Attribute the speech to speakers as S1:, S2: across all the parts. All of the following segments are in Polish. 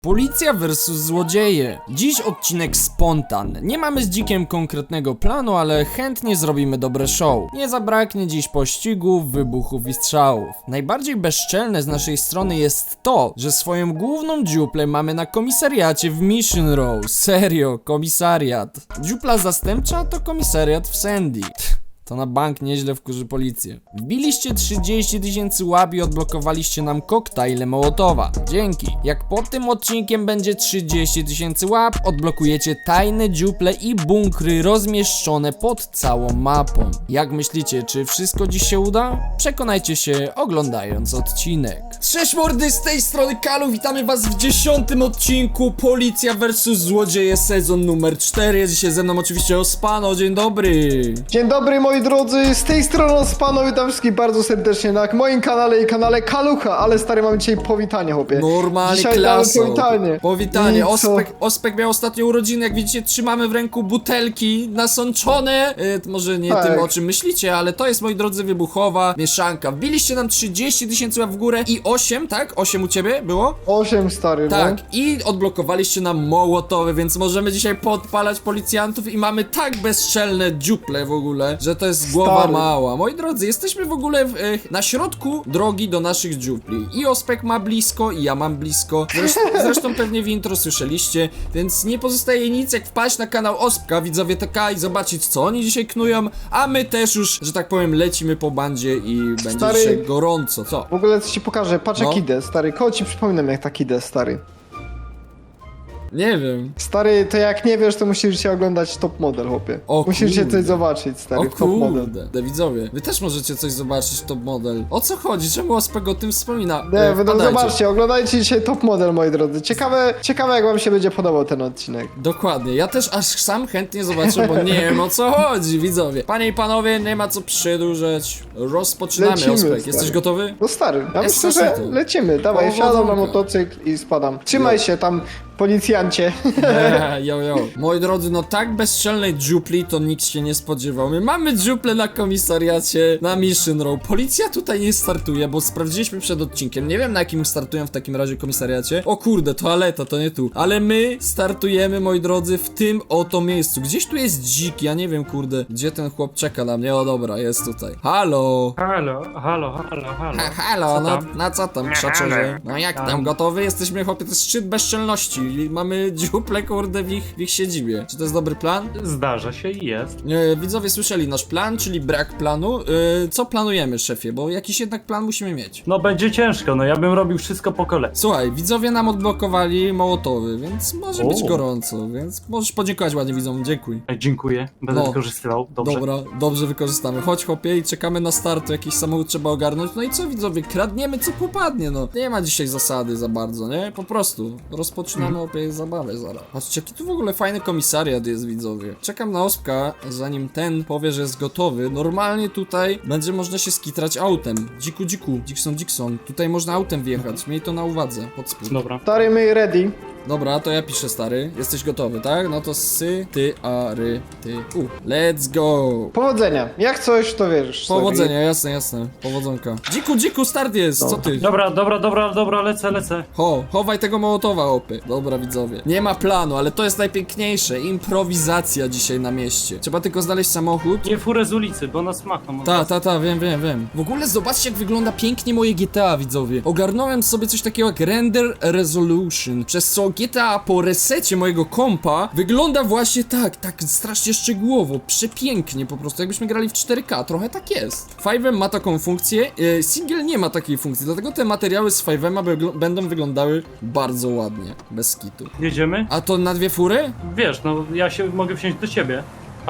S1: Policja versus złodzieje. Dziś odcinek spontan. Nie mamy z Dzikiem konkretnego planu, ale chętnie zrobimy dobre show. Nie zabraknie dziś pościgów, wybuchów i strzałów. Najbardziej bezczelne z naszej strony jest to, że swoją główną dziuplę mamy na komisariacie w Mission Row. Serio, komisariat. Dziupla zastępcza to komisariat w Sandy. To na bank nieźle wkurzy policję. Wbiliście 30 000 łap i odblokowaliście nam koktajle Mołotowa. Dzięki. Jak pod tym odcinkiem będzie 30 000 łap, odblokujecie tajne dziuple i bunkry rozmieszczone pod całą mapą. Jak myślicie, czy wszystko dziś się uda? Przekonajcie się oglądając odcinek. Cześć mordy, z tej strony Kalu, witamy was w 10. odcinku Policja vs Złodzieje sezon numer 4. Jest dzisiaj ze mną oczywiście Ospano, dzień dobry.
S2: Dzień dobry moi drodzy, z tej strony Ospano, witam wszystkich bardzo serdecznie na moim kanale i kanale Kalucha, ale stary, mamy dzisiaj powitanie, chłopie.
S1: Normalnie
S2: dzisiaj
S1: klasą.
S2: powitanie.
S1: Powitanie. Ospek miał ostatnio urodziny, jak widzicie trzymamy w ręku butelki nasączone. Może nie
S2: Tak.
S1: tym, o czym myślicie, ale to jest, moi drodzy, wybuchowa mieszanka. Wbiliście nam 30 000 łap w górę i 8, tak? 8 u ciebie było?
S2: 8 stary,
S1: Tak,
S2: no.
S1: i odblokowaliście nam Mołotowy, więc możemy dzisiaj podpalać policjantów i mamy tak bezczelne dziuple w ogóle, że to jest głowa
S2: Stary.
S1: mała. Moi drodzy, jesteśmy w ogóle na środku drogi do naszych dziupli. I Ospek ma blisko, i ja mam blisko. Zresztą pewnie w intro słyszeliście, więc nie pozostaje nic jak wpaść na kanał Ospka, widzowie TK, i zobaczyć, co oni dzisiaj knują, a my też już, że tak powiem, lecimy po bandzie i będzie
S2: Stary.
S1: dzisiaj gorąco. Co?
S2: W ogóle coś ci pokażę, patrz
S1: No.
S2: jak idę, stary, koło ci przypominam jak tak idę, stary.
S1: Nie wiem.
S2: Stary, to jak nie wiesz, to musisz się oglądać Top Model, chłopie.
S1: O
S2: Musisz się
S1: kurde.
S2: coś zobaczyć, stary,
S1: O
S2: w Top Model.
S1: kurde, widzowie, wy też możecie coś zobaczyć, Top Model. O co chodzi? Czemu Ospek o tym wspomina?
S2: Nie, wy no
S1: Wpadajcie.
S2: zobaczcie, oglądajcie dzisiaj Top Model, moi drodzy. Ciekawe jak wam się będzie podobał ten odcinek.
S1: Dokładnie, ja też aż sam chętnie zobaczę, bo nie wiem o co chodzi, widzowie. Panie i panowie, nie ma co przedłużać. Rozpoczynamy,
S2: Lecimy,
S1: Ospek.
S2: stary.
S1: Jesteś gotowy?
S2: No stary, ja
S1: Jest
S2: myślę, że
S1: zaszczytu.
S2: lecimy. Dawaj, wsiadam na
S1: Powodzonka.
S2: motocykl i spadam. Trzymaj się tam, policjancie.
S1: Jo. Moi drodzy, no tak bezczelnej dziupli to nikt się nie spodziewał. My mamy dziuple na komisariacie, na Mission Row. Policja tutaj nie startuje, bo sprawdziliśmy przed odcinkiem. Nie wiem, na jakim startują w takim razie komisariacie. O kurde, toaleta, to nie tu. Ale my startujemy, moi drodzy, w tym oto miejscu. Gdzieś tu jest dzik, ja nie wiem, kurde, gdzie ten chłop czeka na mnie. O dobra, jest tutaj. Halo.
S3: Halo.
S1: Halo,
S3: Co
S1: no,
S3: tam?
S1: na co tam, krzaczerze? No jak tam, gotowy? Jesteśmy, chłopie, to jest szczyt bezczelności. I mamy dziuple, kurde, w ich siedzibie. Czy to jest dobry plan?
S3: Zdarza się i jest.
S1: Widzowie słyszeli nasz plan, czyli brak planu. Co planujemy, szefie? Bo jakiś jednak plan musimy mieć.
S3: No będzie ciężko, no ja bym robił wszystko po kolei.
S1: Słuchaj, widzowie nam odblokowali Mołotowy, więc może być
S3: O.
S1: gorąco, więc możesz podziękować ładnie widzom, dziękuj.
S3: Dziękuję, będę
S1: No.
S3: wykorzystywał. Dobrze.
S1: Dobra, dobrze wykorzystamy. Chodź, chłopie, i czekamy na start, jakiś samochód trzeba ogarnąć. No i co, widzowie, kradniemy co popadnie, no. Nie ma dzisiaj zasady za bardzo, nie? Po prostu rozpoczynamy opie zabawę zaraz. Patrzcie, jaki tu w ogóle fajny komisariat jest, widzowie. Czekam na Ospka, zanim ten że jest gotowy. Normalnie tutaj będzie można się skitrać autem. Dziku, Dixon. Tutaj można autem wjechać, miej to na uwadze, pod spód.
S3: Dobra.
S2: Stary, my ready.
S1: Dobra, to ja piszę, stary. Jesteś gotowy, tak? No to ty, a, ry, ty, let's go!
S2: Powodzenia. Jak coś, to wiesz. stary.
S1: Powodzenia, jasne. Powodzonka. Dziku, start jest, co ty?
S3: Dobra, lecę.
S1: Chowaj tego Mołotowa, opy. Dobra, widzowie. Nie ma planu, ale to jest najpiękniejsze. Improwizacja dzisiaj na mieście. Trzeba tylko znaleźć samochód.
S3: Nie furę z ulicy, bo nas machną.
S1: Ta, wiem. W ogóle zobaczcie, jak wygląda pięknie moje GTA, widzowie. Ogarnąłem sobie coś takiego jak Render Resolution, przez co GTA po resecie mojego kompa wygląda właśnie tak strasznie szczegółowo, przepięknie po prostu, jakbyśmy grali w 4K, trochę tak jest. 5M ma taką funkcję, Single nie ma takiej funkcji, dlatego te materiały z 5M będą wyglądały bardzo ładnie, bez skitu.
S3: Jedziemy?
S1: A to na dwie fury?
S3: Wiesz, no ja się mogę wsiąść do ciebie.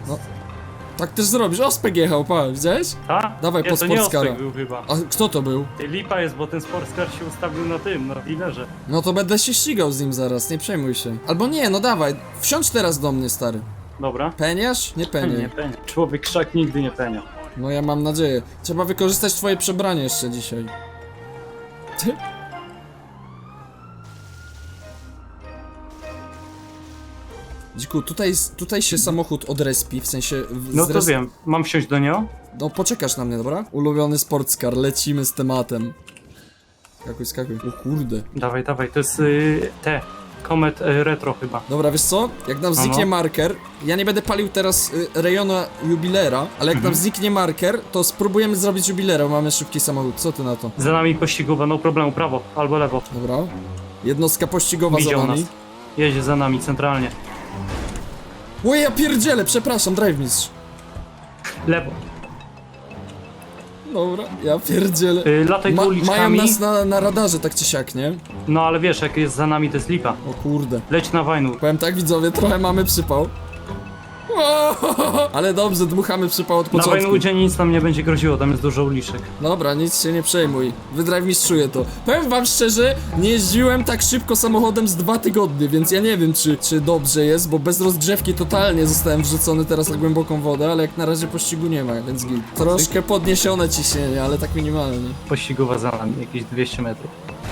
S1: Tak też zrobisz, Ospek jechał, pa, widziałeś?
S3: Ta?
S1: Dawaj,
S3: nie,
S1: pod
S3: to nie
S1: sportskara.
S3: Ospek był chyba.
S1: A kto to był?
S3: Lipa jest, bo ten sportskar się ustawił na tym, na dealerze.
S1: No to będę się ścigał z nim zaraz, nie przejmuj się. Albo nie, no dawaj, wsiądź teraz do mnie, stary.
S3: Dobra.
S1: Peniasz? Nie
S3: Nie
S1: peniaj.
S3: penia. Człowiek krzak nigdy nie penia.
S1: No ja mam nadzieję. Trzeba wykorzystać twoje przebranie jeszcze dzisiaj. Ty? Dziku, tutaj się samochód odrespi, w sensie...
S3: No to wiem, mam wsiąść do niego?
S1: No poczekasz na mnie, dobra? Ulubiony sportscar, lecimy z tematem. Skakuj. O kurde.
S3: Dawaj, to jest Comet Retro chyba.
S1: Dobra, wiesz co? Jak nam zniknie marker, ja nie będę palił teraz rejona jubilera, ale jak nam zniknie marker, to spróbujemy zrobić jubilera, bo mamy szybki samochód. Co ty na to?
S3: Za nami pościgowa, no problemu, prawo albo lewo.
S1: Dobra. Jednostka pościgowa za
S3: Widział nas.
S1: nami.
S3: Jedzie za nami centralnie.
S1: O ja pierdzielę, przepraszam, drive mistrz.
S3: Lewo.
S1: Dobra, ja pierdzielę.
S3: Lataj tu
S1: Mają
S3: uliczkami.
S1: nas na radarze tak czy siak, nie?
S3: No ale wiesz, jak jest za nami, to jest lipa.
S1: O kurde.
S3: Leć na Wajnu.
S1: Powiem tak, widzowie, trochę mamy przypał. Ale dobrze, dmuchamy przypał od
S3: Na
S1: początku.
S3: Wajnudzie nic nam nie będzie groziło, tam jest dużo uliczek.
S1: Dobra, nic się nie przejmuj. Wydrive mistrzuję to. Powiem wam szczerze, nie jeździłem tak szybko samochodem z 2 tygodnie, więc ja nie wiem, czy dobrze jest, bo bez rozgrzewki totalnie zostałem wrzucony teraz na głęboką wodę, ale jak na razie pościgu nie ma, więc git. Troszkę podniesione ciśnienie, ale tak minimalnie.
S3: Pościgowa za nami, jakieś 200 metrów.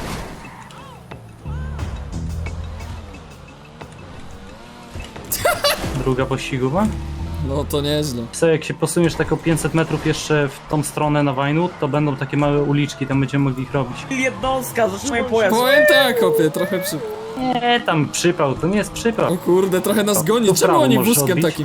S3: Druga pościgowa.
S1: No to nieźle.
S3: Co, jak się posuniesz tak o 500 metrów jeszcze w tą stronę na Wajnu, to będą takie małe uliczki, tam będziemy mogli ich robić.
S4: Jednostka, zatrzymaj pojazd.
S1: Powiem tak, kopie, trochę przy...
S3: Nie, tam przypał, to nie jest przypał.
S1: O kurde, trochę nas goni.
S3: to
S1: Czemu
S3: prawo
S1: oni
S3: możesz
S1: wózkiem
S3: odbić?
S1: takim?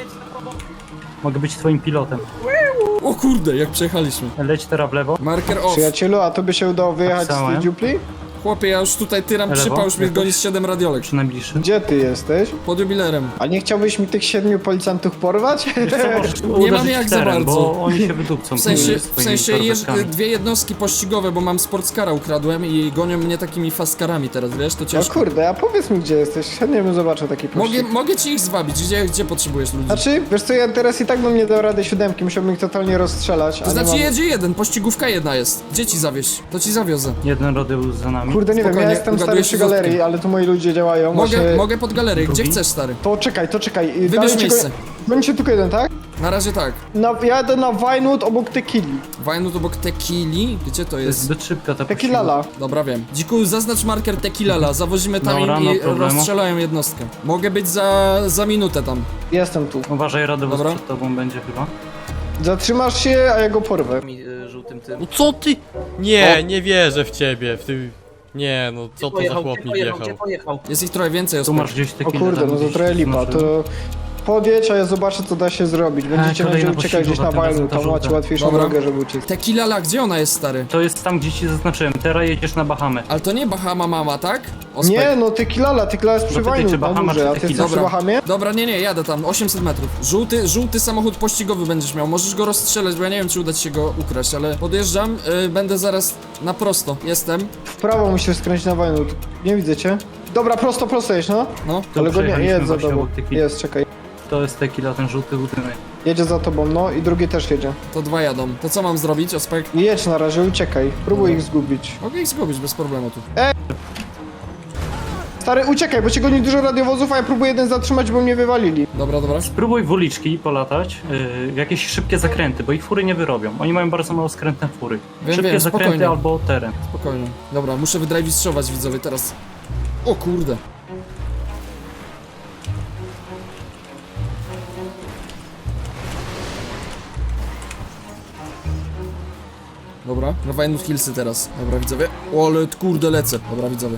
S3: Mogę być twoim pilotem.
S1: O kurde, jak przejechaliśmy.
S3: Leć teraz w lewo.
S1: Marker off.
S2: Przyjacielu, a to by się udało wyjechać z
S3: Tak samo,
S2: tej
S3: ja?
S2: dziupli?
S1: Chłopie, ja już tutaj tyram
S3: Lewo?
S1: przypał, już mnie
S3: Jakoś?
S1: goni z 7 radiolek.
S3: Przy najbliższym.
S2: Gdzie ty jesteś?
S1: Pod jubilerem.
S2: A nie chciałbyś mi tych 7 policjantów porwać?
S3: Wiesz co, możesz
S1: Nie
S3: uderzyć
S1: mamy jak
S3: w
S1: za
S3: teren,
S1: bardzo.
S3: bo oni się wydupcą.
S1: W sensie
S3: swoimi
S1: jest
S3: korwetkami.
S1: 2 jednostki pościgowe, bo mam sportskara ukradłem i gonią mnie takimi fastcarami teraz, wiesz, to
S2: No
S1: ciężko.
S2: kurde, a powiedz mi gdzie jesteś, chętnie bym zobaczył taki pościg.
S1: Mogę ci ich zwabić, gdzie potrzebujesz ludzi?
S2: Znaczy, wiesz co, ja teraz i tak bym nie dał rady 7, musiałbym ich totalnie rozstrzelać,
S1: To
S2: a nie
S1: znaczy
S2: mam...
S1: jedzie jeden, pościgówka jedna jest. Gdzie ci zawieźć? To ci zawiozę.
S3: Jeden rodeusz za nami.
S2: Kurde, nie wiem,
S1: Spokojnie,
S2: ja jestem stary
S1: ugadujesz
S2: przy
S1: się z
S2: galerii,
S1: Wojtkiem.
S2: ale tu moi ludzie działają, właśnie...
S1: Mogę pod galerię, gdzie chcesz, stary.
S2: To czekaj.
S1: Wybierz
S2: Dalej ci
S1: miejsce.
S2: Będzie tylko jeden, tak?
S1: Na razie tak.
S2: Jadę na Vinewood obok Tequili.
S1: Wajnut obok Tequili, gdzie to
S3: To jest
S1: jest?
S3: zbyt szybka ta
S2: Tequilala.
S1: Dobra, wiem. Dziku, zaznacz marker Tequilala, zawozimy tam
S3: Dobra,
S1: im
S3: no
S1: i
S3: problemu.
S1: rozstrzelają jednostkę. Mogę być za minutę tam.
S2: Jestem tu.
S3: Uważaj, rodeusz
S1: Dobra.
S3: przed tobą będzie chyba.
S2: Zatrzymasz się, a ja go porwę.
S4: Żółtym tym.
S5: No co ty? Nie, nie wierzę w ciebie, w ty... Nie, no co to za chłop mi
S4: Gdzie
S5: wjechał?
S4: pojechał?
S1: Jest ich trochę więcej,
S3: Tu
S1: Ospek.
S3: masz gdzieś
S2: O
S3: tequila.
S2: kurde,
S3: tam
S2: no to
S3: gdzieś
S2: trochę lipa,
S3: znaczy.
S2: to... Podjedź, a ja zobaczę co da się zrobić. Będziecie
S3: kolejna
S2: będzie uciekać gdzieś na
S3: pościgowa, tym
S2: Vinewood,
S3: razem
S2: tam
S3: ta
S2: macie
S3: żółta.
S2: łatwiejszą
S1: Dobra.
S2: drogę, żeby uciec.
S1: Tequilala, gdzie ona jest, stary?
S3: To jest tam, gdzie ci zaznaczyłem. Teraz jedziesz na Bahamę.
S1: Ale to nie Bahama mama, tak? Ospek.
S2: Nie, no Tequilala jest przy
S3: Zapytaj, czy
S2: Vinewood na
S3: Bahama,
S2: górze,
S3: czy
S2: a ty
S3: Tequila?
S2: jesteś przy
S1: Dobra.
S2: Bahamie?
S1: Dobra, nie, jadę tam, 800 metrów. Żółty samochód pościgowy będziesz miał, możesz go rozstrzelać, bo ja nie wiem, czy uda ci się go ukraść, ale podjeżdżam, będę zaraz na prosto, jestem.
S2: W prawo musisz skręcić na Vinewood. Nie widzę cię. Dobra, prosto jedź, no.
S1: No,
S3: Tu
S2: Ale go nie,
S3: przejechaliśmy
S2: jedź za
S3: właśnie
S2: tobą.
S3: obok Tequili.
S2: Jest, czekaj.
S3: To jest tequila, ten żółty budynek.
S2: Jedzie za tobą, no i drugi też jedzie.
S1: to 2 jadą. To co mam zrobić, Ospek?
S2: Jedź na razie, uciekaj. Próbuj ich zgubić.
S1: Mogę ich zgubić bez problemu tu.
S2: Stary, uciekaj, bo cię goni dużo radiowozów, a ja próbuję jeden zatrzymać, bo mnie wywalili.
S1: Dobra.
S3: Spróbuj w uliczki polatać, w jakieś szybkie zakręty, bo ich fury nie wyrobią. Oni mają bardzo mało skrętne fury.
S1: Wiem,
S3: Szybkie
S1: wiem,
S3: zakręty
S1: spokojnie.
S3: albo teren.
S1: Spokojnie. Dobra, muszę wydrivistrować widzowie teraz. O kurde. Dobra, na Vinewood Hillsy teraz. Dobra, widzowie. O, ale kurde lecę. Dobra, widzowie.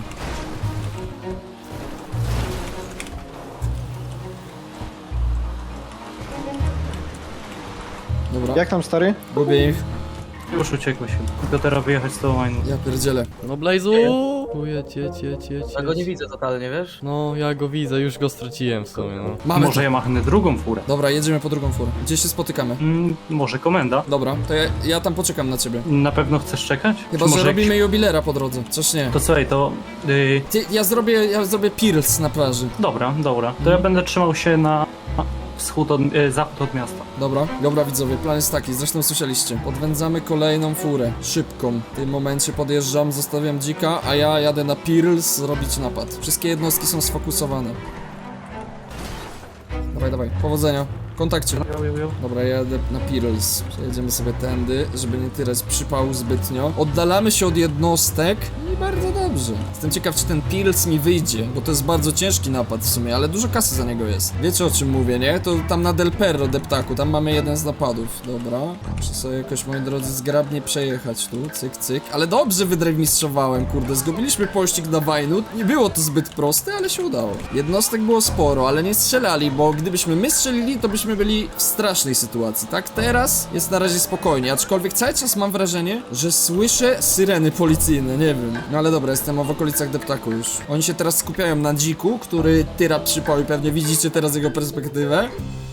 S1: Dobra,
S2: Jak tam, stary?
S1: gubię ich.
S3: Już uciekłeś chyba. Tylko teraz wyjechać z tą łajną.
S1: Ja pierdzielę.
S5: No Blazu! Tu jedź.
S4: Ja go nie widzę totalnie, wiesz?
S5: No, ja go widzę, już go straciłem w sumie, no.
S1: Mamy
S3: Może
S1: to.
S3: ja machnę drugą furę.
S1: Dobra, jedziemy po drugą furę. Gdzie się spotykamy?
S3: Może komenda.
S1: Dobra, to ja tam poczekam na ciebie.
S3: Na pewno chcesz czekać?
S1: Chyba,
S3: Czy
S1: że
S3: może
S1: robimy jubilera po drodze. Coś nie.
S3: To słuchaj, to...
S1: Ja zrobię Pearls na plaży.
S3: Dobra. To ja będę trzymał się na zachód od miasta.
S1: Dobra widzowie, plan jest taki, zresztą słyszeliście. Podwędzamy kolejną furę, szybką. W tym momencie podjeżdżam, zostawiam dzika, a ja jadę na Pearls zrobić napad. Wszystkie jednostki są sfokusowane. Dawaj, powodzenia. kontakcie.
S3: Jo.
S1: Dobra, jadę na Pirls. Przejedziemy sobie tędy, żeby nie tyrać przypału zbytnio. Oddalamy się od jednostek i bardzo dobrze. Jestem ciekaw, czy ten Pirls mi wyjdzie, bo to jest bardzo ciężki napad w sumie, ale dużo kasy za niego jest. Wiecie, o czym mówię, nie? To tam na Del Perro, deptaku, tam mamy jeden z napadów. Dobra, muszę sobie jakoś, moi drodzy, zgrabnie przejechać tu, cyk, cyk. Ale dobrze wydrewmistrzowałem, kurde, zgubiliśmy pościg na Wajnut. Nie było to zbyt proste, ale się udało. Jednostek było sporo, ale nie strzelali, bo gdybyśmy my strzelili, to byśmy byli w strasznej sytuacji, tak? Teraz jest na razie spokojnie, aczkolwiek cały czas mam wrażenie, że słyszę syreny policyjne, nie wiem. No ale dobra, jestem w okolicach deptaku już. Oni się teraz skupiają na dziku, który tyra przypał i pewnie widzicie teraz jego perspektywę.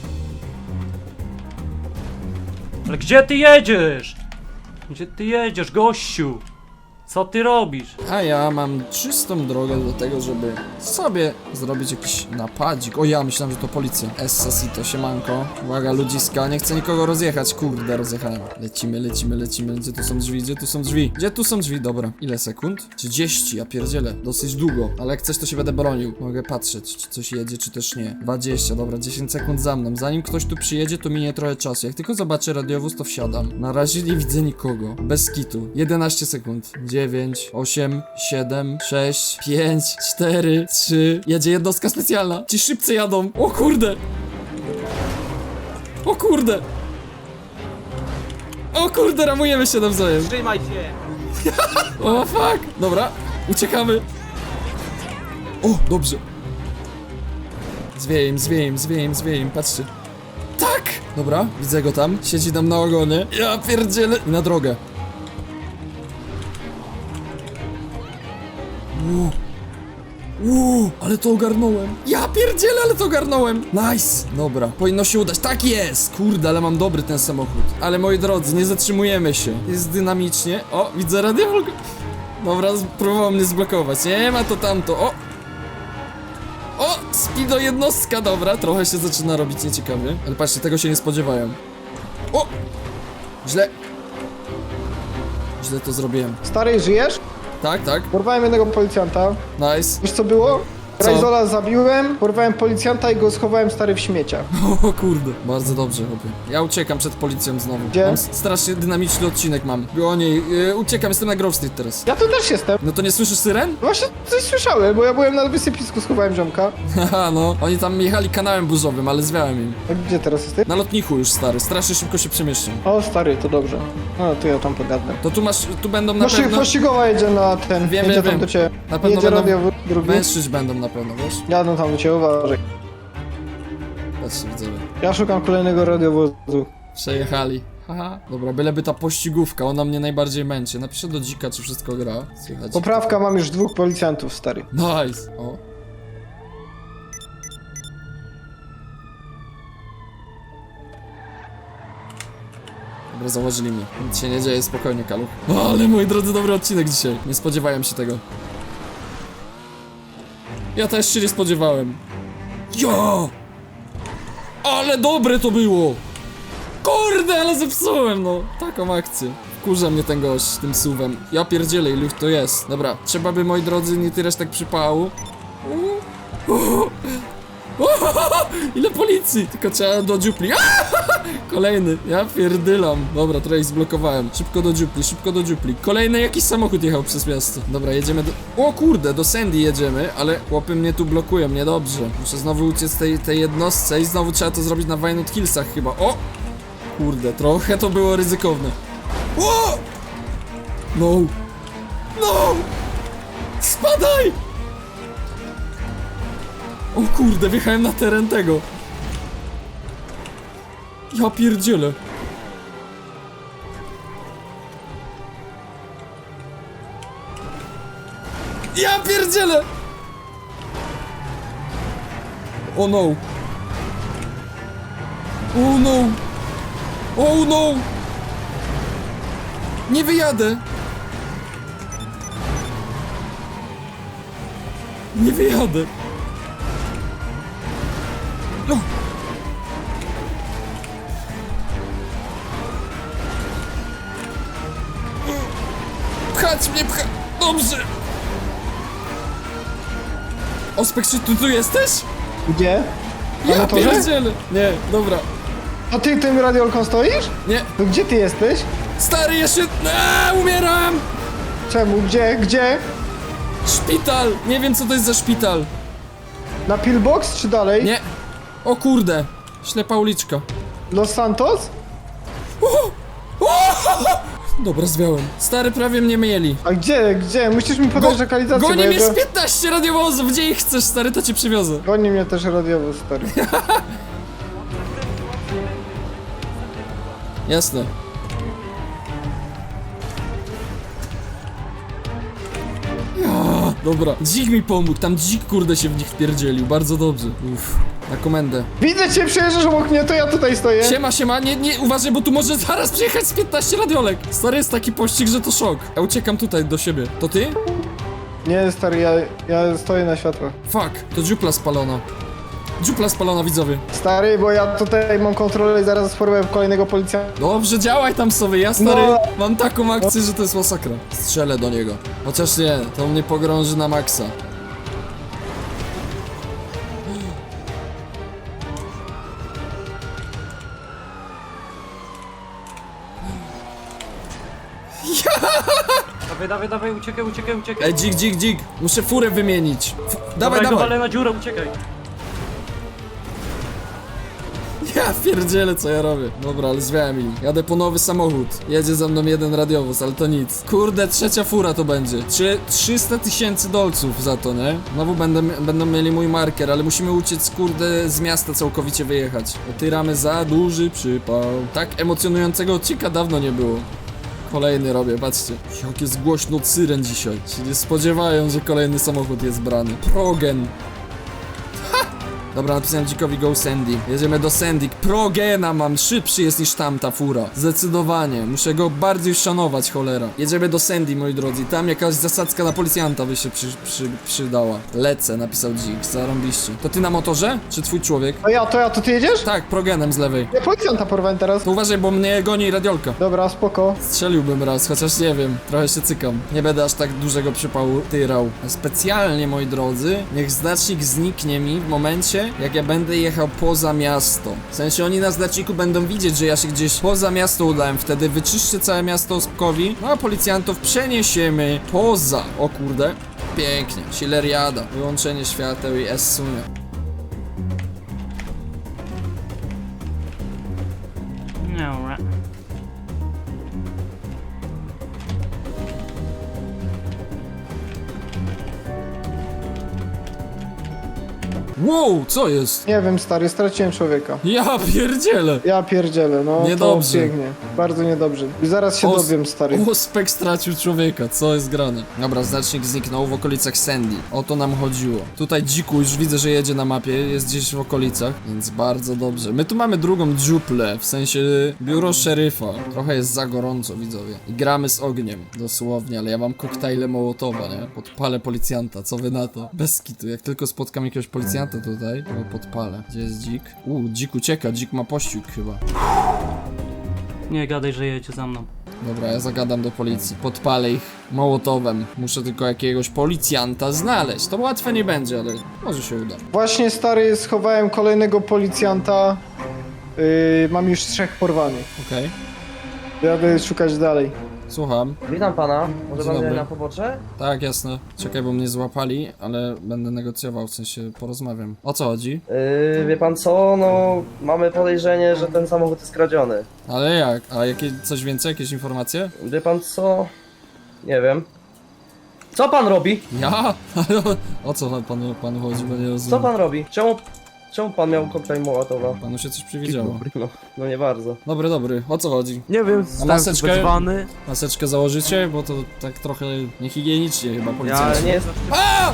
S3: Ale gdzie ty jedziesz? Gdzie ty jedziesz, gościu? Co ty robisz?
S1: A ja mam czystą drogę do tego, żeby sobie zrobić jakiś napadzik. O ja, myślałem, że to policja. Essasito, siemanko. Uwaga, ludziska, nie chcę nikogo rozjechać. Kurde, rozjechałem. Lecimy. Gdzie tu są drzwi? Gdzie tu są drzwi? Dobra. Ile sekund? 30, ja pierdzielę. Dosyć długo, ale jak chcesz, to się będę bronił. Mogę patrzeć, czy coś jedzie, czy też nie. 20, dobra, 10 sekund za mną. Zanim ktoś tu przyjedzie, to minie trochę czasu. Jak tylko zobaczę radiowóz, to wsiadam. Na razie nie widzę nikogo. Bez kitu. 11 sekund. 9, 8, 7, 6, 5, 4, 3. Jedzie jednostka specjalna. Ci szybcy jadą. O kurde. O kurde. O kurde, ramujemy się nawzajem.
S4: Trzymaj się!
S1: O fuck. Dobra, uciekamy. O, dobrze. Zwieje im, patrzcie. Tak! Dobra, widzę go tam. Siedzi tam na ogonie. Ja pierdzielę. I na drogę. Ale to ogarnąłem. Ja pierdzielę, ale to ogarnąłem. Nice. Dobra, powinno się udać. Tak jest. Kurde, ale mam dobry ten samochód. Ale moi drodzy, nie zatrzymujemy się. Jest dynamicznie. O, widzę radiowóz. Dobra, próbował mnie zblokować. Nie ma to tamto. O, speedo jednostka, dobra. Trochę się zaczyna robić nieciekawie. Ale patrzcie, tego się nie spodziewałem. O! Źle to zrobiłem.
S2: Stary, żyjesz?
S1: Tak.
S2: Porwałem jednego policjanta.
S1: Nice.
S2: Wiesz co było?
S1: Co?
S2: Rajzola zabiłem, porwałem policjanta i go schowałem, stary, w śmieciach.
S1: O kurde. Bardzo dobrze, chłopie. Ja uciekam przed policją znowu.
S2: Gdzie?
S1: Mam strasznie dynamiczny odcinek mam. O niej, uciekam, jestem na Grove Street teraz.
S2: Ja tu też jestem.
S1: No to nie słyszysz syren?
S2: Właśnie coś słyszałem, bo ja byłem na wysypisku, schowałem ziomka.
S1: Haha, no. Oni tam jechali kanałem burzowym, ale zwiałem im.
S2: A gdzie teraz jesteś?
S1: Na lotniku już, stary. Strasznie szybko się przemieszczam.
S2: O, stary, to dobrze. No, to ja tam pogadam.
S1: To tu będą na pewno...
S2: Pościgowa jedzie na ten,
S1: Wiem,
S2: jedzie
S1: wiem.
S2: tam do ciebie.
S1: Na pewno
S2: Jedzie
S1: będą
S2: radiowóz drugi.
S1: Mężczyźni będą na pewno, wiesz?
S2: Jadą tam do ciebie, uważaj.
S1: Patrzcie, widzowie.
S2: Ja szukam kolejnego radiowozu.
S1: Przejechali. Haha. Dobra, byleby ta pościgówka, ona mnie najbardziej męczy. Napiszę do dzika, czy wszystko gra. Słychać.
S2: Poprawka, mam już 2 policjantów, stary.
S1: Nice. O. Dobra, założyli mnie. Nic się nie dzieje, spokojnie, Kaluch. O, ale moi drodzy, dobry odcinek dzisiaj. Nie spodziewałem się tego. Ja też się nie spodziewałem. Jo! Ale dobre to było! Kurde, ale zepsułem, no. Taką akcję. Wkurza mnie ten gość tym suwem. Ja pierdzielę, ilu ich to jest. Dobra, trzeba by, moi drodzy, nie tyrać tak przypału. Ile policji! Tylko trzeba do dziupli. Kolejny, ja pierdylam. Dobra, trochę ich zblokowałem. Szybko do dziupli. Kolejny jakiś samochód jechał przez miasto. Dobra, jedziemy do... O kurde, do Sandy jedziemy, ale chłopy mnie tu blokują, niedobrze. Muszę znowu uciec tej jednostce i znowu trzeba to zrobić na Wynut Hillsach chyba. O! Kurde, trochę to było ryzykowne. O! No! Spadaj! O kurde, wjechałem na teren tego. Ja pierdzielę. Ja pierdzielę! O no. Oh no. Oh no. Nie wyjadę. Nie wyjadę. No. Pchać mnie, Dobrze. Ospek, czy ty tu jesteś?
S2: Gdzie? Na
S1: Ja
S2: motorze?
S1: pierdzielę! Nie, dobra.
S2: A ty tym radiolką stoisz?
S1: Nie.
S2: No gdzie ty jesteś?
S1: Stary, jeszcze... Umieram!
S2: Czemu? Gdzie?
S1: Szpital! Nie wiem, co to jest za szpital.
S2: Na pillbox czy dalej?
S1: Nie. O kurde. Ślepa uliczka.
S2: Los Santos?
S1: Dobra, zwiałem. Stary, prawie mnie mieli.
S2: A gdzie? Musisz mi podać lokalizację,
S1: Goni
S2: bo
S1: mnie
S2: ja
S1: z 15 radiowozów, gdzie ich chcesz, stary, to cię przywiozę.
S2: Goni mnie też radiowóz, stary.
S1: Jasne. Ja, dobra, dzik mi pomógł, tam dzik kurde się w nich wpierdzielił, bardzo dobrze. Uff, na komendę.
S2: Widzę cię, przejeżdżasz obok mnie, to ja tutaj stoję.
S1: Siema, nie, uważaj, bo tu może zaraz przyjechać z 15 radiolek. Stary, jest taki pościg, że to szok. Ja uciekam tutaj do siebie. To ty?
S2: Nie, stary, ja stoję na światłach.
S1: Fuck, to dziupla spalona. Dziupla spalona, widzowie.
S2: Stary, bo ja tutaj mam kontrolę i zaraz spróbuję kolejnego policjanta.
S1: Dobrze, działaj tam sobie, ja stary,
S2: No.
S1: mam taką akcję, że to jest masakra. Strzelę do niego. Chociaż nie, to mnie pogrąży na maksa.
S3: Dawaj, uciekaj.
S1: Ej, dzik, muszę furę wymienić. Dawaj.
S3: Dawaj, na dziurę, uciekaj.
S1: Ja pierdzielę, co ja robię. Dobra, ale zwiałem im. Jadę po nowy samochód. Jedzie za mną jeden radiowóz, ale to nic. Kurde, trzecia fura to będzie. 300 000 dolców za to, nie? Znowu będą mieli mój marker, ale musimy uciec, kurde, z miasta całkowicie wyjechać. Otyramy za duży przypał. Tak emocjonującego odcinka dawno nie było. Kolejny robię, patrzcie. Jak jest głośno od syren dzisiaj. Się nie spodziewają, że kolejny samochód jest brany. Progen. Dobra, napisałem dzikowi go Sandy. Jedziemy do Sandy. Progena mam, szybszy jest niż tamta fura. Zdecydowanie, muszę go bardziej szanować, cholera. Jedziemy do Sandy, moi drodzy. Tam jakaś zasadzka na policjanta by się przydała. Lecę, napisał dzik, zarąbiście. To ty na motorze? Czy twój człowiek?
S2: To ty jedziesz?
S1: Tak, progenem z lewej.
S2: Ja policjanta porwałem teraz.
S1: To uważaj, bo mnie goni radiolka.
S2: Dobra, spoko.
S1: Strzeliłbym raz, chociaż nie wiem, trochę się cykam. Nie będę aż tak dużego przypału tyrał. Specjalnie, moi drodzy, niech znacznik zniknie mi w momencie, jak ja będę jechał poza miasto. W sensie oni na znaczniku będą widzieć, że ja się gdzieś poza miasto udałem. Wtedy wyczyszczę całe miasto Ospkowi, no a policjantów przeniesiemy poza. O kurde, pięknie, chilleriada. Wyłączenie świateł i S-sunie.
S3: No,
S1: Wow, co jest?
S2: Nie wiem, stary, straciłem człowieka.
S1: Ja pierdzielę.
S2: Ja pierdzielę, no
S1: Niedobrze.
S2: to pięknie. Bardzo niedobrze. I zaraz się dowiem, stary.
S1: Ospek stracił człowieka, co jest grane? Dobra, znacznik zniknął w okolicach Sandy. O to nam chodziło. Tutaj dziku już widzę, że jedzie na mapie, jest gdzieś w okolicach, więc bardzo dobrze. My tu mamy drugą dziuplę, w sensie biuro szeryfa. Trochę jest za gorąco, widzowie. I gramy z ogniem, dosłownie, ale ja mam koktajle Mołotowa, nie? Podpalę policjanta, co wy na to? Bez kitu, jak tylko spotkam jakiegoś policjanta tutaj, to podpalę. Gdzie jest dzik? Dzik ucieka, dzik ma pościg chyba.
S3: Nie gadaj, że jedzie za mną.
S1: Dobra, ja zagadam do policji. Podpalę ich Mołotowem. Muszę tylko jakiegoś policjanta znaleźć. To łatwe nie będzie, ale może się uda.
S2: Właśnie, stary, schowałem kolejnego policjanta. Mam już 3 porwanych.
S1: Okej.
S2: Jadę szukać dalej.
S1: Słucham.
S4: Witam pana. Może
S1: Dzień
S4: pan
S1: dobry.
S4: na pobocze?
S1: Tak, jasne. Czekaj, bo mnie złapali, ale będę negocjował, w sensie porozmawiam. O co chodzi?
S4: Wie pan co? No, mamy podejrzenie, że ten samochód jest kradziony.
S1: Ale jak? A coś więcej? Jakieś informacje?
S4: Wie pan co? Nie wiem. Co pan robi?
S1: Ja? Ale o co panu chodzi, bo nie
S4: Co
S1: rozumiem.
S4: pan robi? Czemu pan miał koktajl Mołotowa?
S1: Panu się coś przywidziało.
S4: No nie bardzo.
S1: Dobry. O co chodzi?
S6: Nie wiem,
S1: A
S6: zostałem
S1: maseczkę?
S6: wezwany.
S1: Maseczkę założycie? Bo to tak trochę niehigienicznie chyba
S4: Ale
S1: policjanci.
S4: nie jest...
S1: A!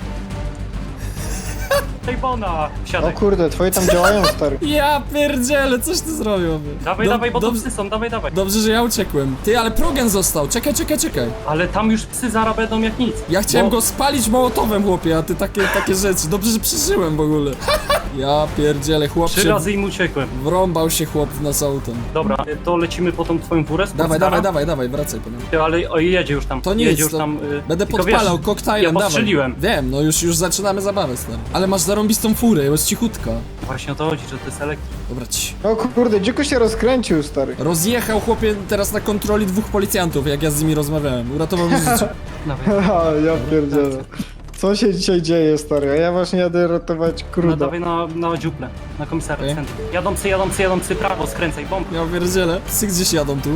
S3: Tej bona!
S2: O
S3: Wsiadaj.
S2: kurde, twoje tam działają, stary.
S1: Ja pierdzielę, coś ty zrobił.
S3: Dawaj, bo to
S1: dobrze,
S3: psy są, dawaj.
S1: dobrze, że ja uciekłem. Ty, ale progen został. Czekaj.
S3: Ale tam już psy zaraz będą jak nic.
S1: Ja chciałem
S3: Bo-
S1: go spalić Mołotowem, chłopie, a ty takie rzeczy. Dobrze, że przeżyłem w ogóle. Ja pierdzielę, chłop
S3: 3
S1: się...
S3: razy im uciekłem.
S1: Wrąbał się chłop w nas autem.
S3: Dobra, to lecimy po tą twoją furę?
S1: Dawaj, wracaj po nią.
S3: Ale o, jedzie już tam.
S1: To nic,
S3: jedzie już
S1: to
S3: tam.
S1: Będę
S3: tylko
S1: podpalał
S3: wiesz,
S1: koktajlem,
S3: ja
S1: dawaj.
S3: postrzeliłem.
S1: Wiem, no już zaczynamy zabawę, stary. Ale masz zarąbistą furę, jest cichutka.
S3: Właśnie o to chodzi, że to jest elektryk.
S1: Dobra, ci.
S2: O kurde, dziko się rozkręcił, stary.
S1: Rozjechał chłopie teraz na kontroli 2 policjantów, jak ja z nimi rozmawiałem. Uratował mi życie.
S3: Dawaj.
S2: Haha, ja pierdzielę. Co się dzisiaj dzieje, stary? A ja właśnie jadę ratować
S3: No
S2: kruda.
S3: dawaj na dziuplę, na komisariat.
S1: Okej.
S3: Jadą psy, prawo, skręcaj, bomb.
S1: Ja pierdzielę. Psy gdzieś jadą tu.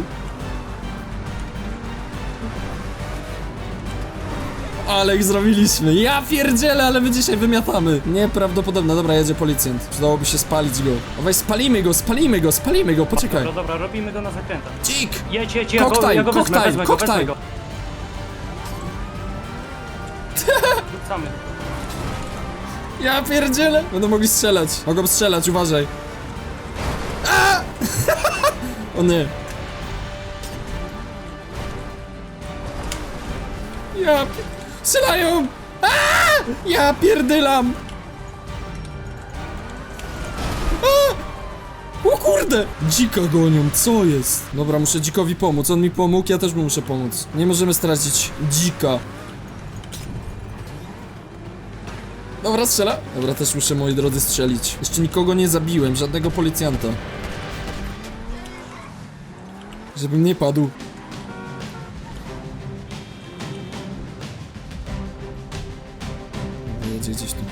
S1: Ale ich zrobiliśmy. Ja pierdzielę, ale my dzisiaj wymiatamy. Nieprawdopodobne. Dobra, jedzie policjant. Przydałoby się spalić go. Dawaj, spalimy go, poczekaj.
S3: Dobra, robimy go na zakrętach.
S1: Dzik!
S3: Jedź,
S1: Koktajl,
S3: ja go wezmę,
S1: koktajl,
S3: wezmę go,
S1: koktajl.
S3: wezmę go. Rzucamy.
S1: Ja pierdzielę! Będą mogli strzelać. Mogą strzelać, uważaj. A! O nie. Strzelają! A! Ja pierdylam! A! O kurde! Dzika gonią, co jest? Dobra, muszę dzikowi pomóc. On mi pomógł, ja też mu muszę pomóc. Nie możemy stracić dzika. Dobra, strzela. Dobra, też muszę, moi drodzy, strzelić. Jeszcze nikogo nie zabiłem, żadnego policjanta. Żebym nie padł. Jedzie gdzieś tu.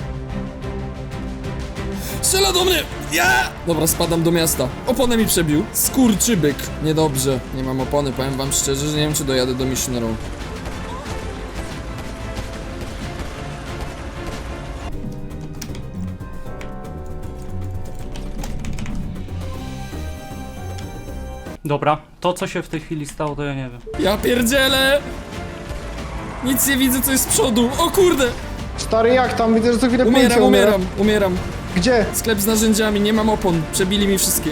S1: Strzela do mnie! Ja! Dobra, spadam do miasta. Oponę mi przebił. Skurczybyk. Niedobrze. Nie mam opony, powiem wam szczerze, że nie wiem, czy dojadę do Mission Row.
S3: Dobra, to co się w tej chwili stało, to ja nie wiem.
S1: Ja pierdzielę! Nic nie widzę, co jest z przodu. O kurde!
S2: Stary, jak tam? Widzę, że co chwilę policja umiera.
S1: Umieram.
S2: Gdzie?
S1: Sklep z narzędziami, nie mam opon. Przebili mi wszystkie.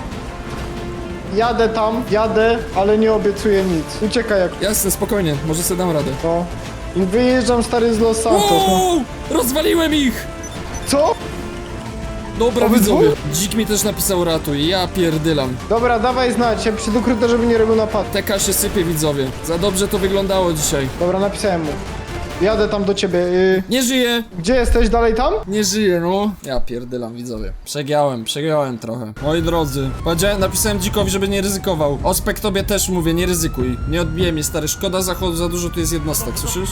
S2: Jadę tam, ale nie obiecuję nic. Uciekaj jak
S1: Jasne, spokojnie, może sobie dam radę.
S2: to. I wyjeżdżam, stary, z Los Santos. No.
S1: Wow! Rozwaliłem ich!
S2: Co?
S1: Dobra,
S2: Obydwu?
S1: widzowie. Dzik mi też napisał ratuj, ja pierdylam.
S2: Dobra, dawaj znać, ja piszę do kruta, żeby nie robił napadu.
S1: TK się sypie, widzowie. Za dobrze to wyglądało dzisiaj.
S2: Dobra, napisałem mu. Jadę tam do ciebie.
S1: Nie żyję!
S2: Gdzie jesteś? Dalej tam?
S1: Nie żyję, no. Ja pierdylam, widzowie. Przegiąłem trochę. Moi drodzy, napisałem dzikowi, żeby nie ryzykował. Ospek, tobie też mówię, nie ryzykuj. Nie odbije mnie, stary. Szkoda zachodu, za dużo tu jest jednostek, słyszysz?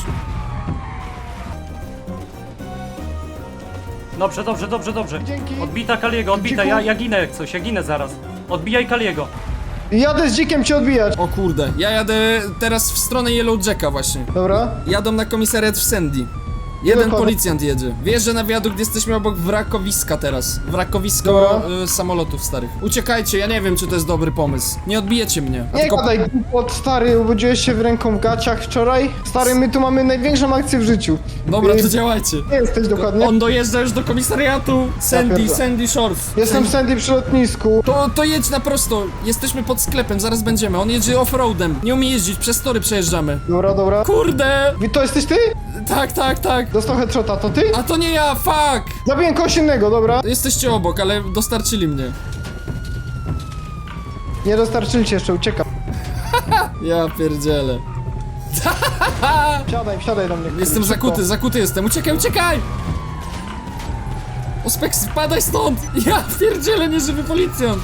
S3: Dobrze.
S2: Dzięki.
S3: Odbita Kaliego, odbita,
S2: Dziku.
S3: ja ginę jak coś, ja ginę zaraz. Odbijaj Kaliego.
S2: Jadę z dzikiem cię odbijać.
S1: O kurde, ja jadę teraz w stronę Yellow Jacka właśnie.
S2: Dobra.
S1: Jadą na komisariat w Sandy. Jeden
S2: Dokładnie.
S1: policjant jedzie. Wjeżdża na wiadukt, jesteśmy obok wrakowiska teraz. Wrakowisko
S2: Dobra.
S1: samolotów starych. Uciekajcie, ja nie wiem, czy to jest dobry pomysł. Nie odbijecie mnie. A
S2: Nie
S1: tylko...
S2: gadaj, głupot, stary, obudziłeś się w ręką w gaciach wczoraj? Stary, my tu mamy największą akcję w życiu.
S1: Dobra, to działajcie.
S2: Nie jesteś dokładnie?
S1: On dojeżdża już do komisariatu. Sandy Shores.
S2: Jestem w Sandy przy lotnisku.
S1: To jedź na prosto. Jesteśmy pod sklepem, zaraz będziemy. On jedzie offroadem. Nie umie jeździć, przez tory przejeżdżamy.
S2: Dobra.
S1: Kurde!
S2: To jesteś ty?
S1: Tak.
S2: Dostał headshota, to ty?
S1: A to nie ja, fuck!
S2: Zabiję kogoś innego, dobra.
S1: Jesteście obok, ale dostarczyli mnie.
S2: Nie dostarczyli cię jeszcze, uciekam.
S1: Ja pierdzielę.
S2: Wsiadaj do mnie.
S1: Jestem
S2: szybko.
S1: zakuty jestem. Uciekaj! Ospek, spadaj stąd! Ja pierdzielę, nieżywy policjant!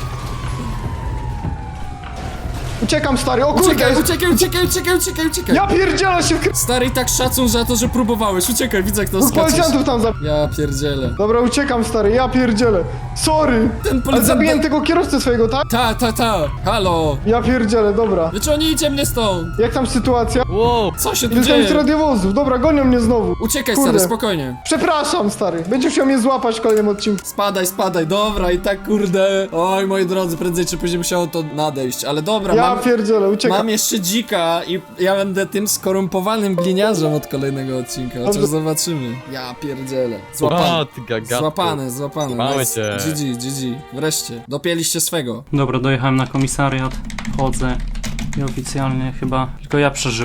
S2: Uciekam, stary, o kurde!
S1: Uciekaj!
S2: Ja pierdzielę się w
S1: Stary, i tak szacun za to, że próbowałeś. Uciekaj, widzę, jak to
S2: Dwóch
S1: skaczesz.
S2: policjantów tam zabiję.
S1: Ja pierdzielę.
S2: Dobra, uciekam, stary, ja pierdzielę. Sorry!
S1: Ten
S2: Ale
S1: policjant...
S2: zabiłem tego kierowcę swojego, tak?
S1: Ta. Halo!
S2: Ja pierdzielę, dobra.
S1: Wyciągnijcie mnie stąd!
S2: Jak tam sytuacja?
S5: Wow,
S1: Co się tu
S2: Dostałem z
S1: dzieje?
S2: radiowozów, dobra, gonią mnie znowu.
S1: Uciekaj,
S2: Kurde.
S1: stary, spokojnie.
S2: Przepraszam, stary, będziesz chciał mnie złapać w kolejnym odcinku.
S1: Spadaj, dobra, i tak kurde. Oj, moi drodzy, prędzej czy później musiało to nadejść, ale dobra,
S2: Ja pierdzielę, uciekam.
S1: mam jeszcze dzika i ja będę tym skorumpowanym gliniarzem od kolejnego odcinka, chociaż
S2: Dobrze.
S1: zobaczymy. Ja pierdzielę.
S5: a, ty gagato.
S1: Złapany.
S5: Mamy
S1: Nice.
S5: cię.
S1: GG. Wreszcie. Dopięliście swego.
S3: Dobra, dojechałem na komisariat, wchodzę i oficjalnie chyba tylko ja przeżyłem.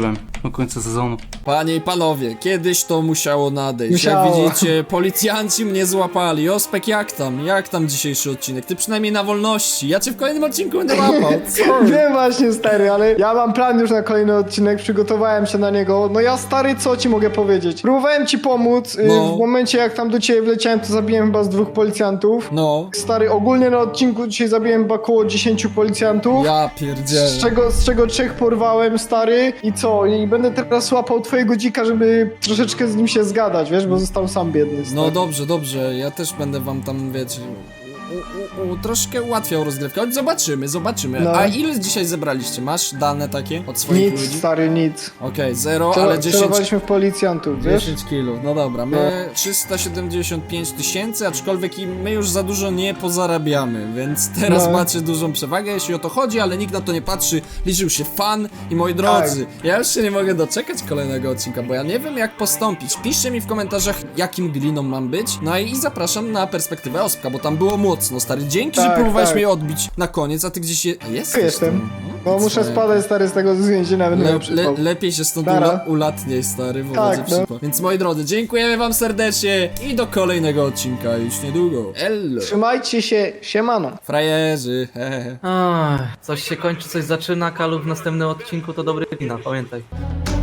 S3: do końca sezonu.
S1: Panie i panowie, kiedyś to musiało nadejść.
S2: Musiało.
S1: Jak widzicie, policjanci mnie złapali. Ospek, jak tam? Jak tam dzisiejszy odcinek? Ty przynajmniej na wolności. Ja cię w kolejnym odcinku będę łapał. Co?
S2: Wiem właśnie, stary, ale ja mam plan już na kolejny odcinek, przygotowałem się na niego. No ja, stary, co ci mogę powiedzieć? Próbowałem ci pomóc,
S1: No.
S2: w momencie jak tam do ciebie wleciałem, to zabiłem chyba z 2 policjantów.
S1: No.
S2: Stary, ogólnie na odcinku dzisiaj zabiłem chyba około 10 policjantów.
S1: Ja pierdzielę.
S2: Z czego 3 porwałem, stary, i co? I będę teraz łapał twojego dzika, żeby troszeczkę z nim się zgadać, wiesz, bo został sam biedny. Stary.
S1: No dobrze, dobrze. Ja też będę wam tam, wiecie... troszkę ułatwiał rozgrywkę, choć zobaczymy.
S2: No.
S1: A ile dzisiaj zebraliście? Masz dane takie od swoich
S2: Nic,
S1: ludzi?
S2: stary, nic.
S1: Okej, 0, ale 10...
S2: Celowaliśmy w policjantów, wiesz?
S1: 10 kilów, no dobra, my 375 tysięcy, aczkolwiek i my już za dużo nie pozarabiamy, więc teraz
S2: No.
S1: macie dużą przewagę, jeśli o to chodzi, ale nikt na to nie patrzy, liczył się fan i moi drodzy, ja już się nie mogę doczekać kolejnego odcinka, bo ja nie wiem jak postąpić. Piszcie mi w komentarzach, jakim gliną mam być, no i zapraszam na perspektywę Ospka, bo tam było mocno, stary, dzięki, że
S2: Tak,
S1: próbowałeś
S2: tak.
S1: mnie odbić na koniec, a ty gdzieś jesteś.
S2: Tu jestem.
S1: tam.
S2: No muszę
S1: co?
S2: spadać, stary, z tego więzienia, będę miał przypał.
S1: Lepiej się stąd
S2: Nara.
S1: ulatniej, stary, bo
S2: Tak,
S1: będzie
S2: no.
S1: przypał. Więc moi drodzy, dziękujemy wam serdecznie i do kolejnego odcinka już niedługo. Ello.
S2: Trzymajcie się, siemano.
S1: Frajerzy, hehe.
S6: Coś się kończy, coś zaczyna, Kalu w następnym odcinku to dobry wina, pamiętaj.